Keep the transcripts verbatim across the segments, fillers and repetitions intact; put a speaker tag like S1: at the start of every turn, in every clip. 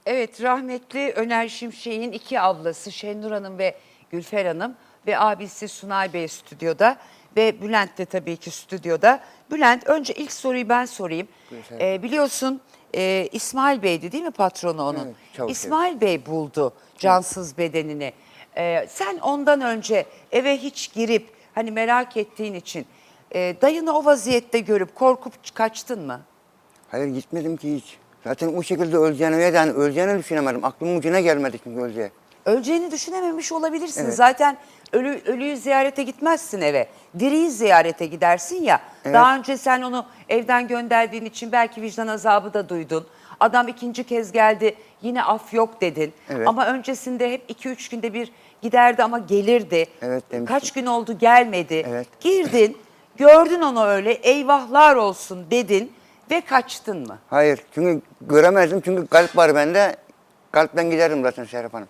S1: Evet, rahmetli Öner Şimşek'in iki ablası Şenur Hanım ve Gülfer Hanım ve abisi Sunay Bey stüdyoda ve Bülent de tabii ki stüdyoda. Bülent, önce ilk soruyu ben sorayım. Ee, biliyorsun e, İsmail Bey'di değil mi patronu onun?
S2: Evet, Çavuş
S1: İsmail Bey buldu cansız bedenini. Ee, sen ondan önce eve hiç girip hani merak ettiğin için e, dayını o vaziyette görüp korkup kaçtın mı?
S2: Hayır, gitmedim ki hiç. Zaten o şekilde öleceğini ya da hani öleceğini düşünemedim. Aklımın ucuna gelmedi çünkü öleceği.
S1: Öleceğini düşünememiş olabilirsin.
S2: Evet.
S1: Zaten ölü, ölüyü ziyarete gitmezsin eve. Diriyi ziyarete gidersin ya.
S2: Evet.
S1: Daha önce sen onu evden gönderdiğin için belki vicdan azabı da duydun. Adam ikinci kez geldi, yine af yok dedin.
S2: Evet.
S1: Ama öncesinde hep iki üç günde bir giderdi ama gelirdi.
S2: Evet, demiştim.
S1: Kaç gün oldu gelmedi.
S2: Evet.
S1: Girdin, gördün onu öyle, eyvahlar olsun dedin ve kaçtın mı?
S2: Hayır, çünkü göremezdim çünkü kalp var bende. Kalpten giderim zaten Serap Hanım.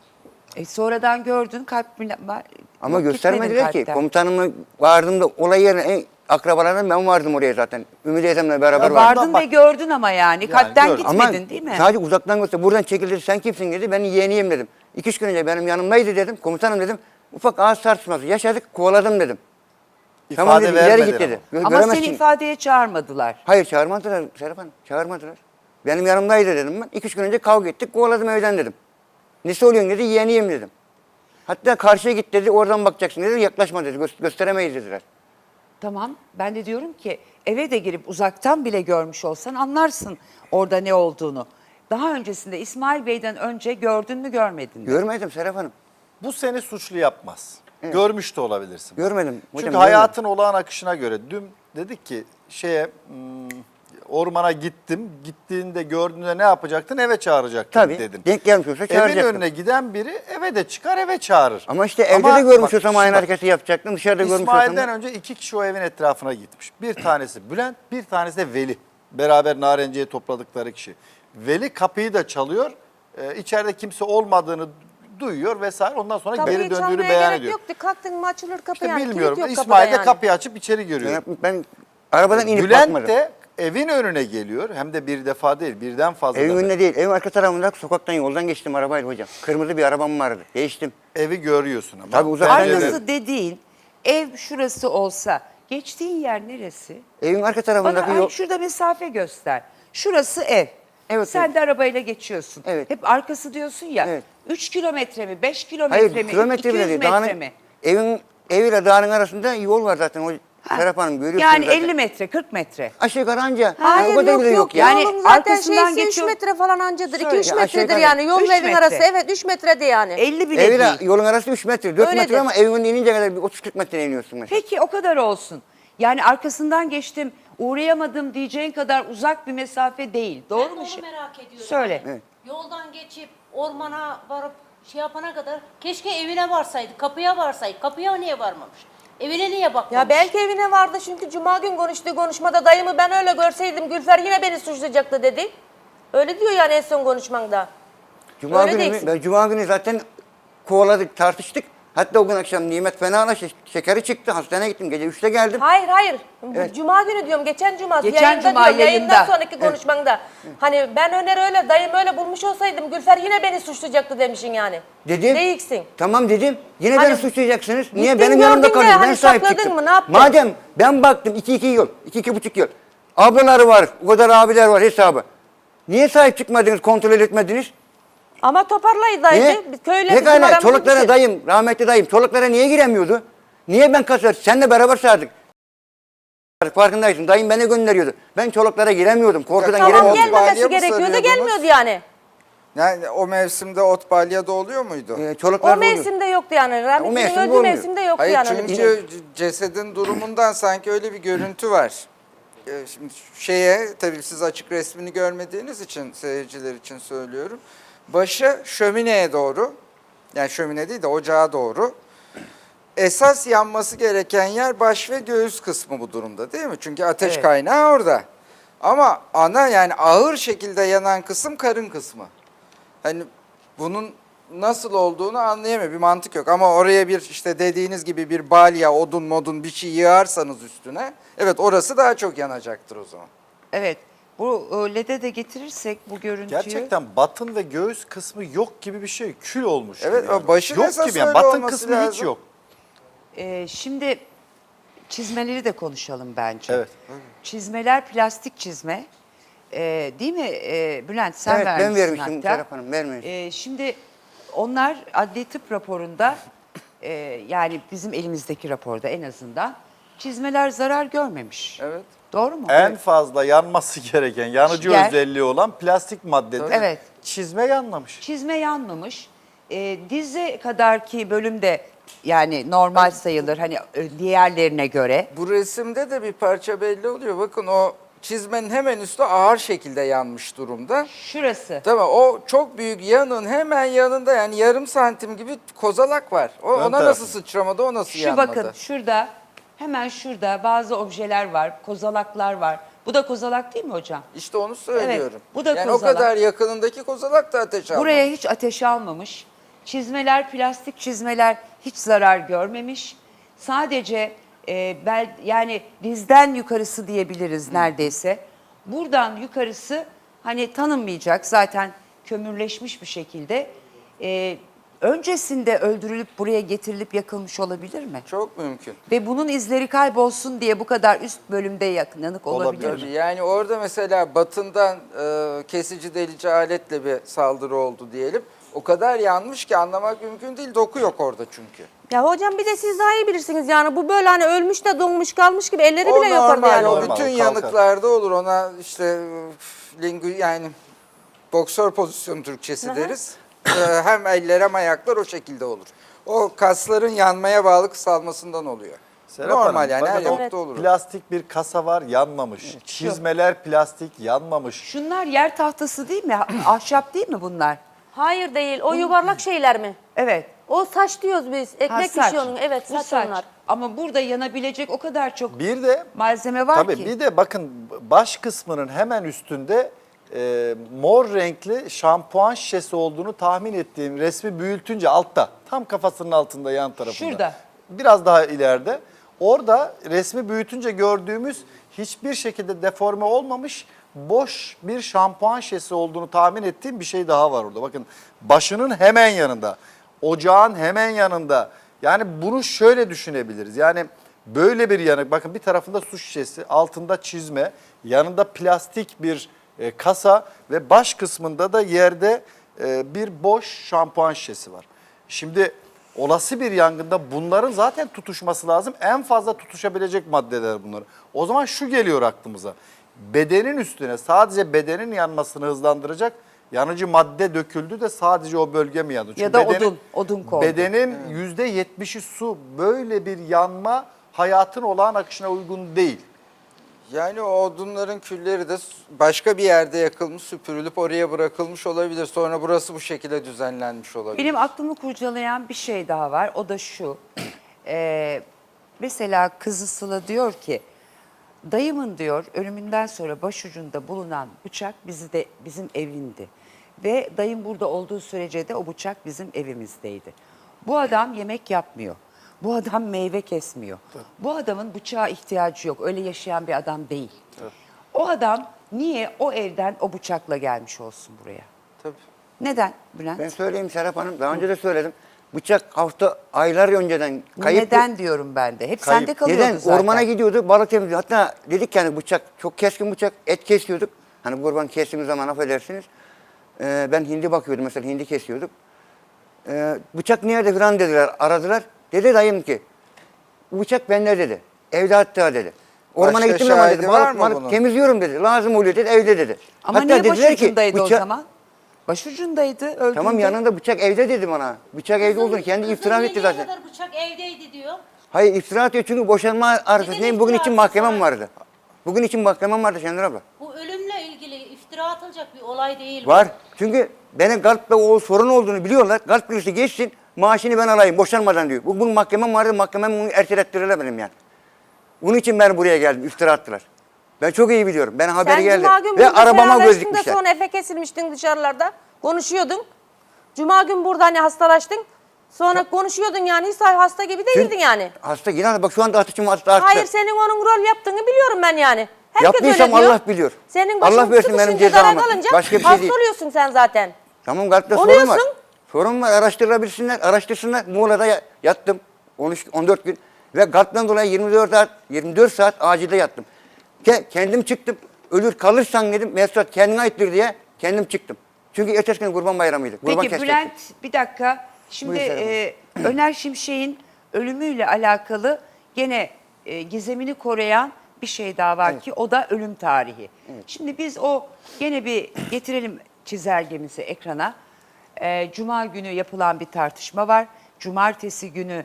S1: E sonradan gördün kalp bile-
S2: Ama
S1: yok,
S2: göstermediler
S1: gitmedin
S2: ki.
S1: kalpten.
S2: Komutanımla vardığımda olay yerine en akrabalarından ben vardım oraya zaten. Ümit Eysem'le beraber
S1: Ya
S2: vardım.
S1: vardın
S3: bak-
S1: ve gördün ama yani. Kalpten
S3: gördüm.
S1: gitmedin
S2: Ama
S1: değil mi?
S2: sadece uzaktan göster. Buradan çekildi. Sen kimsin dedi. Ben yeğeniyim dedim. İki üç gün önce benim yanımdaydı dedim. Komutanım dedim. Ufak ağız tartışması yaşadık. Kovaladım dedim. Tamam
S3: İfade
S2: dedi. İleri
S3: vermedin
S2: git dedi. Gö-
S1: Ama
S2: göremezsin.
S1: seni ifadeye çağırmadılar.
S2: Hayır, çağırmadılar Serap Hanım. Çağırmadılar. Benim yanımdaydı dedim ben. İki üç gün önce kavga ettik. Kovaladım evden dedim. Nesi oluyorsun dedi. Yeğeniyim dedim. Hatta karşıya git dedi. Oradan bakacaksın dedi. Yaklaşma dedi. Gö- gösteremeyiz dediler.
S1: Tamam. Ben de diyorum ki eve de girip uzaktan bile görmüş olsan anlarsın orada ne olduğunu. Daha öncesinde İsmail Bey'den önce gördün mü görmedin mi?
S2: Görmedim Serap Hanım.
S3: Bu seni suçlu yapmaz. Görmüş de olabilirsin.
S2: Görmedim. Hocam,
S3: Çünkü
S2: görmedim.
S3: hayatın olağan akışına göre dün dedik ki şeye hmm, ormana gittim. Gittiğinde gördüğünde ne yapacaktın? Eve çağıracaktın
S2: Tabii.
S3: dedin.
S2: Denk gelmiş olsa
S3: Evin
S2: çağıracaktım.
S3: önüne giden biri eve de çıkar eve çağırır.
S2: Ama işte evde
S3: Ama
S2: de görmüş
S3: bak,
S2: olsam aynı
S3: bak,
S2: hareketi yapacaktım. Dışarıda görmüş olsam
S3: İsmail'den
S2: da.
S3: önce iki kişi o evin etrafına gitmiş. Bir tanesi Bülent, bir tanesi de Veli. Beraber Narenciye topladıkları kişi. Veli kapıyı da çalıyor. Ee, içeride kimse olmadığını duyuyor vesaire. Ondan sonra
S4: Kapıyı
S3: geri döndüğünü
S4: çalmaya
S3: beyan
S4: gerek
S3: ediyor.
S4: yoktu. Kalktın mı açılır kapı
S3: İşte
S4: yani. Kilit
S3: bilmiyorum.
S4: yok
S3: İsmail de
S4: kapıda yani.
S3: kapıyı açıp içeri görüyor.
S2: Ben, ben arabadan inip
S3: Bülent
S2: bakmadım.
S3: de evin önüne geliyor. Hem de bir defa değil, birden fazla.
S2: Evin
S3: defa.
S2: önünde değil. Evin arka tarafında sokaktan yoldan geçtim arabayla hocam. Kırmızı bir arabam vardı. Değiştim.
S3: Evi görüyorsun ama.
S2: Tabii uzaktan
S3: Pencereden-
S2: görüyorum.
S1: Arkası dediğin ev şurası olsa geçtiğin yer neresi?
S2: Evin arka tarafındaki
S1: Bana
S2: yol.
S1: ay, şurada mesafe göster. Şurası ev.
S2: Evet,
S1: Sen
S2: evet.
S1: de arabayla geçiyorsun.
S2: Evet.
S1: Hep arkası diyorsun ya.
S2: Evet.
S1: üç kilometre mi, beş kilometre
S2: Hayır,
S1: mi,
S2: kilometre
S1: iki
S2: bile
S1: yüz
S2: değil.
S1: metre
S2: Dağın,
S1: mi?
S2: evin eviyle dağın arasında yol var zaten. O Serap Hanım görüyorsunuz
S1: Yani
S2: zaten.
S1: elli metre, kırk metre.
S2: Aşağı yukarı anca.
S4: Hayır
S2: o kadar
S4: yok
S2: bile
S4: yok.
S1: Yani
S4: Yani zaten
S1: arkasından
S4: şeysi üç
S1: geçiyor-
S4: metre falan ancadır.
S1: Söyle.
S4: iki üç
S2: Ya aşağı
S4: metredir
S2: yukarı.
S4: yani. Yolun
S1: Üç
S4: evin
S1: metre.
S4: arası. Evet üç metrede yani.
S1: elli bile
S2: Eviyle
S1: değil.
S2: yolun arası üç metre, dört
S4: Öyledir.
S2: metre ama evin inince kadar bir otuz kırk metre iniyorsun mesela.
S1: Peki o kadar olsun. Yani arkasından geçtim, uğrayamadım diyeceğin kadar uzak bir mesafe değil. Doğru
S5: Ben
S1: mu?
S5: onu
S1: şey?
S5: merak ediyorum.
S1: Söyle.
S2: Evet.
S5: Yoldan geçip ormana varıp şey yapana kadar keşke evine varsaydı, kapıya varsaydı. Kapıya niye varmamış? Evine niye bakmamış?
S4: Ya belki evine vardı çünkü cuma gün konuştuğu konuşmada dayımı ben öyle görseydim Gülfer yine beni suçlayacaktı dedi. Öyle diyor yani en son konuşmanda.
S2: Cuma
S4: Öyle
S2: günü mü?
S4: değilsin.
S2: Ben Cuma günü zaten kovaladık, tartıştık. Hatta o gün akşam Nimet fenalaştı, şekeri çıktı, hastaneye gittim. Gece üçte geldim.
S4: Hayır hayır. Bu
S2: Evet.
S4: Cuma günü diyorum. Geçen cuma.
S1: Geçen
S4: yayında
S1: cuma
S4: diyorum,
S1: yayında.
S4: Yayından sonraki konuşmanda. Hani ben Öner öyle dayım öyle bulmuş olsaydım Gülfer yine beni suçlayacaktı demişsin yani.
S2: Dedim.
S4: Değilsin.
S2: Tamam dedim. Yine
S4: Hani
S2: beni suçlayacaksınız. Niye
S4: gittin
S2: benim yanımda
S4: gördün de
S2: kalıyorsun? Ben
S4: hani
S2: sahip
S4: sakladın
S2: çıktım.
S4: mı, ne yaptın?
S2: Madem ben baktım iki iki yıl, iki iki buçuk yıl. Ablaları var, o kadar abiler var hesabı. Niye sahip çıkmadınız, kontrol etmediniz?
S4: Ama toparlayıdaydı.
S2: Niye?
S4: Biz Köyle bizim
S2: Pekala
S4: aramızda bir
S2: çoluklara
S4: şey.
S2: dayım, rahmetli dayım, çoluklara niye giremiyordu? Niye ben kasar? Senle beraber sardık. Farkındaysın. Dayım beni gönderiyordu. Ben çoluklara giremiyordum. Korkudan
S4: Tamam
S2: giremiyordum.
S4: gelmemesi
S6: Balya mı
S4: gerekiyordu
S6: sarıyordunuz?
S4: gelmiyordu yani.
S6: Yani o mevsimde ot balya da oluyor muydu?
S2: Ee,
S4: O
S2: çoluklar oluyor.
S4: mevsimde yoktu yani. Rahmetli'nin
S2: mevsimde
S4: öldüğü
S2: olmuyor.
S4: mevsimde yoktu
S6: Hayır
S4: yani. öyle bir
S6: çünkü
S4: şey.
S6: c- cesedin durumundan sanki öyle bir görüntü var. Ee, Şimdi şeye tabii siz açık resmini görmediğiniz için seyirciler için söylüyorum. Başı şömineye doğru, yani şömine değil de ocağa doğru. Esas yanması gereken yer baş ve göğüs kısmı bu durumda değil mi? Çünkü ateş
S1: Evet.
S6: kaynağı orada. Ama ana yani ağır şekilde yanan kısım karın kısmı. Hani bunun nasıl olduğunu anlayamıyor. Bir mantık yok. Ama oraya bir işte dediğiniz gibi bir balya, odun modun bir şey yığarsanız üstüne. Evet orası daha çok yanacaktır o zaman.
S1: Evet. Bu e, L E D'e de getirirsek bu görüntüyü.
S3: Gerçekten batın ve göğüs kısmı yok gibi bir şey. Kül olmuş
S6: Evet,
S3: gibi. yani.
S6: o başın
S3: yok
S6: esas
S3: gibi yani.
S6: öyle
S3: Batın
S6: olması
S3: kısmı hiç
S6: lazım.
S3: yok.
S1: Ee, şimdi çizmeleri de konuşalım bence.
S3: Evet.
S1: Çizmeler plastik çizme. Ee, değil mi ee, Bülent sen
S2: Evet, ben
S1: vermişsin
S2: vermiştim
S1: hatta.
S2: Serap Hanım, vermemiş.
S1: Ee, şimdi onlar adli tıp raporunda ee, yani bizim elimizdeki raporda en azından çizmeler zarar görmemiş.
S6: Evet.
S1: Doğru mu?
S3: En fazla yanması gereken, yanıcı
S1: Yer.
S3: özelliği olan plastik maddedir.
S1: Evet.
S3: Çizme yanmamış.
S1: Çizme yanmamış. Ee, dize kadarki bölümde yani normal sayılır hani e, diğerlerine göre.
S6: Bu resimde de bir parça belli oluyor. Bakın o çizmenin hemen üstü ağır şekilde yanmış durumda.
S1: Şurası.
S6: Tamam, o çok büyük yanın hemen yanında yani yarım santim gibi kozalak var. O,
S3: Ön
S6: ona
S3: tarafı.
S6: nasıl sıçramadı, o nasıl
S1: Şu
S6: yanmadı?
S1: bakın şurada hemen şurada bazı objeler var, kozalaklar var. Bu da kozalak değil mi hocam?
S6: İşte onu söylüyorum.
S1: bu da
S6: yani
S1: kozalak.
S6: o kadar yakınındaki kozalak da ateş almamış.
S1: Buraya hiç ateş almamış. Çizmeler, plastik çizmeler hiç zarar görmemiş. Sadece e, bel, yani dizden yukarısı diyebiliriz neredeyse. Buradan yukarısı hani tanınmayacak zaten kömürleşmiş bir şekilde. E, öncesinde öldürülüp buraya getirilip yakılmış olabilir mi?
S6: Çok mümkün.
S1: Ve bunun izleri kaybolsun diye bu kadar üst bölümde yanık olabilir
S3: Olabilir.
S1: mi?
S6: Yani orada mesela batından e, kesici delici aletle bir saldırı oldu diyelim. O kadar yanmış ki anlamak mümkün değil. Doku yok orada çünkü.
S4: Ya hocam bir de siz daha iyi bilirsiniz yani bu böyle hani ölmüş de donmuş kalmış gibi elleri
S6: O
S4: bile yok orada
S6: normal,
S4: yani.
S6: o
S3: Normal,
S6: bütün
S3: kalkar.
S6: yanıklarda olur. Ona işte e, lingu yani boksör pozisyonu Türkçesi deriz. Ee, hem eller hem ayaklar o şekilde olur. O kasların yanmaya bağlı kısalmasından oluyor.
S3: Serap
S6: Normal
S3: Hanım,
S6: yani her
S3: bakın o
S6: yamukta olur.
S3: Plastik bir kasa var, yanmamış. Çizmeler plastik, yanmamış.
S1: Şunlar yer tahtası değil mi? Ahşap değil mi bunlar?
S4: Hayır değil o yuvarlak şeyler mi?
S1: Evet.
S4: O saç diyoruz biz.
S1: Ha,
S4: Ekmek
S1: saç.
S4: pişiyor onun. Evet
S1: Bu
S4: saç,
S1: saç.
S4: onlar.
S1: Ama burada yanabilecek o kadar çok
S3: Bir de
S1: malzeme var
S3: tabii
S1: ki.
S3: bir de bakın baş kısmının hemen üstünde e, mor renkli şampuan şişesi olduğunu tahmin ettiğim resmi büyütünce altta, tam kafasının altında yan tarafında.
S1: Şurada.
S3: Biraz daha ileride. Orada resmi büyütünce gördüğümüz hiçbir şekilde deforme olmamış boş bir şampuan şişesi olduğunu tahmin ettiğim bir şey daha var orada. Bakın başının hemen yanında, ocağın hemen yanında. Yani bunu şöyle düşünebiliriz. Yani böyle bir yanık, bakın bir tarafında su şişesi, altında çizme, yanında plastik bir e, kasa ve baş kısmında da yerde e, bir boş şampuan şişesi var. Şimdi olası bir yangında bunların zaten tutuşması lazım. En fazla tutuşabilecek maddeler bunlar. O zaman şu geliyor aklımıza. Bedenin üstüne sadece bedenin yanmasını hızlandıracak yanıcı madde döküldü de sadece o bölge mi yandı?
S1: Ya da odun, odun kondu.
S3: Bedenin yüzde yetmişi su. Böyle bir yanma hayatın olağan akışına uygun değil.
S6: Yani o odunların külleri de başka bir yerde yakılmış, süpürülüp oraya bırakılmış olabilir. Sonra burası bu şekilde düzenlenmiş olabilir.
S1: Benim aklımı kurcalayan bir şey daha var. O da şu. Ee, mesela kızı Sıla diyor ki dayımın diyor ölümünden sonra başucunda bulunan bıçak bizi de bizim evindi. Ve dayım burada olduğu sürece de o bıçak bizim evimizdeydi. Bu adam yemek yapmıyor. Bu adam meyve kesmiyor. Bu adamın bıçağa ihtiyacı yok. Öyle yaşayan bir adam değil. O adam niye o evden o bıçakla gelmiş olsun buraya?
S6: Tabii.
S1: Neden Bülent?
S2: Ben söyleyeyim Serap Hanım, daha önce de söyledim. Bıçak hafta aylar önceden kayıp.
S1: Neden diyorum ben de. Hep
S3: Kayıp.
S1: sende kalıyordu
S2: Neden?
S1: zaten.
S2: Ormana gidiyordu, balık temizliyordu. Hatta dedik yani bıçak, çok keskin bıçak, et kesiyorduk. Hani kurban kestiğimiz zaman affedersiniz. Ee, ben hindi bakıyordum mesela, hindi kesiyorduk. Ee, bıçak nerede falan dediler, aradılar. Dedi dayım ki, bu bıçak bende dedi. Evde hatta dedi. Ormana
S6: Başka
S2: gittim ama
S6: şahidi
S2: dedi,
S6: var
S2: balık,
S6: mı
S2: balık
S6: bunun?
S2: temizliyorum dedi. Lazım oluyor dedi, evde dedi.
S1: Ama
S2: hatta
S1: niye
S2: dediler ki,
S1: başucundaydı o
S2: bıçak-
S1: zaman? Başucundaydı öldüğünde.
S2: Tamam yanında bıçak evde dedi bana. Bıçak evde olduğunu kendi
S5: Kızın
S2: itiraf etti
S5: yediği
S2: zaten.
S5: kadar bıçak evdeydi diyor.
S2: Hayır iftira atıyor çünkü boşanma arifesindeyim. Bugün için
S5: iftirası
S2: mahkemem
S5: sana?
S2: vardı. Bugün için mahkemem vardı Şenur abla.
S5: Bu ölümle ilgili iftira atılacak bir olay değil. bu.
S2: Var. Çünkü benim kalpte o sorun olduğunu biliyorlar. Kalp krizi geçsin, maaşını ben alayım boşanmadan diyor. Bugün mahkemem vardı, mahkemem bunu ertelettirirler benim yani. Bunun için ben buraya geldim, iftira attılar. Ben çok iyi biliyorum. Ben haberi
S4: Sen
S2: geldi.
S4: Cuma gün
S2: Ve
S4: burada
S2: arabama göz
S4: fenalaştın da
S2: dikmişler.
S4: sonra Efe kesilmiştin dışarılarda. Konuşuyordun. Cuma gün burada hani hastalaştın. Sonra konuşuyordun yani hiç hasta gibi değildin yani.
S2: Hasta yine bak şu anda ateşim hasta arttı.
S4: Hayır senin onun rol yaptığını biliyorum ben yani. Herkes
S2: Yaptıysam
S4: öyle diyor.
S2: Allah biliyor.
S4: Senin başın
S2: Allah versin benim
S4: sıkışınca, zarar
S2: cezamı.
S4: kalınca
S2: Başka bir şey
S4: hasta
S2: değil.
S4: oluyorsun sen zaten.
S2: Tamam kalpte sorun
S4: Oluyorsun.
S2: var. Sorun var, araştırabilsinler, araştırsınlar. Muğla'da ya- yattım on üç on dört gün ve kalpten dolayı yirmi dört saat yirmi dört saat acilde yattım. Ke- kendim çıktım. Ölür kalırsan dedim Mesut kendine aittir diye kendim çıktım. Çünkü ertesi gün Kurban Bayramı'ydı. Kurban
S1: Peki
S2: kesecektim.
S1: Bülent bir dakika. Şimdi
S2: Buyur Serap
S1: e, Öner Şimşek'in ölümüyle alakalı gene e, gizemini koruyan bir şey daha var ki o da ölüm tarihi. Şimdi biz o gene bir getirelim çizelgemizi ekrana. E, Cuma günü yapılan bir tartışma var. Cumartesi günü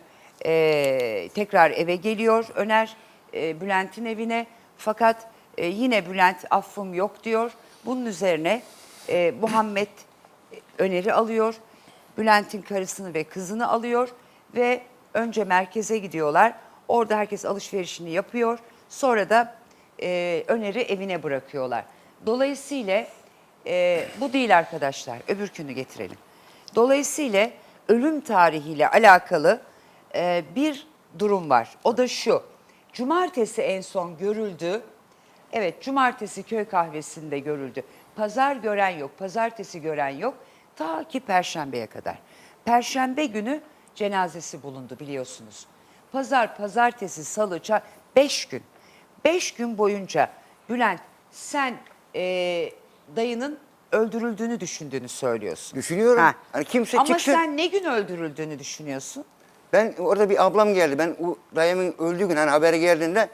S1: e, tekrar eve geliyor Öner e, Bülent'in evine. Fakat e, yine Bülent affım yok diyor. Bunun üzerine e, Muhammed Öner'i alıyor. Bülent'in karısını ve kızını alıyor ve önce merkeze gidiyorlar. Orada herkes alışverişini yapıyor. Sonra da e, Öner'i evine bırakıyorlar. Dolayısıyla e, bu değil arkadaşlar. Öbürkünü getirelim. Dolayısıyla ölüm tarihiyle alakalı e, bir durum var. O da şu. Cumartesi en son görüldü. Evet, cumartesi köy kahvesinde görüldü. Pazar gören yok, pazartesi gören yok. Ta ki perşembeye kadar. Perşembe günü cenazesi bulundu biliyorsunuz. Pazar, pazartesi, salı, ça- beş gün. Beş gün boyunca Bülent sen eee, dayının öldürüldüğünü düşündüğünü söylüyorsun.
S2: Düşünüyorum. Hani kimse
S1: Ama
S2: çıksın.
S1: sen ne gün öldürüldüğünü düşünüyorsun?
S2: Ben orada bir ablam geldi. Ben o dayımın öldüğü gün hani haberi geldiğinde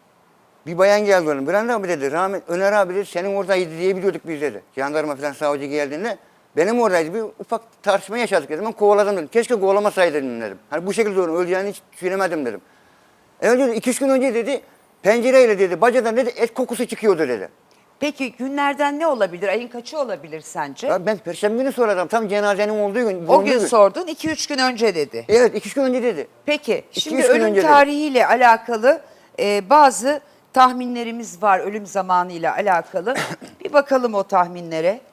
S2: bir bayan geldi onun. Bülent abi dedi, rahmet Öner abi dedi, senin oradaydı diye biliyorduk biz dedi. Jandarma falan savcı geldiğinde benim oradaydı. Bir ufak tartışma yaşadık dedim. Ben kovaladım dedim. Keşke kovalamasaydım dedim. Hani bu şekilde onu öleceğini hiç düşünemedim dedim. E önce iki üç gün önce dedi pencereyle dedi bacadan dedi et kokusu çıkıyordu dedi.
S1: Peki günlerden ne olabilir? Ayın kaçı olabilir sence?
S2: Ya ben perşembe günü soradım. Tam cenazenin olduğu gün.
S1: O
S2: bulunduğu
S1: gün sordun, iki üç gün önce dedi.
S2: Evet iki üç gün önce dedi.
S1: Peki,
S2: İki,
S1: şimdi
S2: üç gün
S1: ölüm
S2: önce dedi.
S1: tarihiyle alakalı e, bazı tahminlerimiz var ölüm zamanıyla alakalı. Bir bakalım o tahminlere.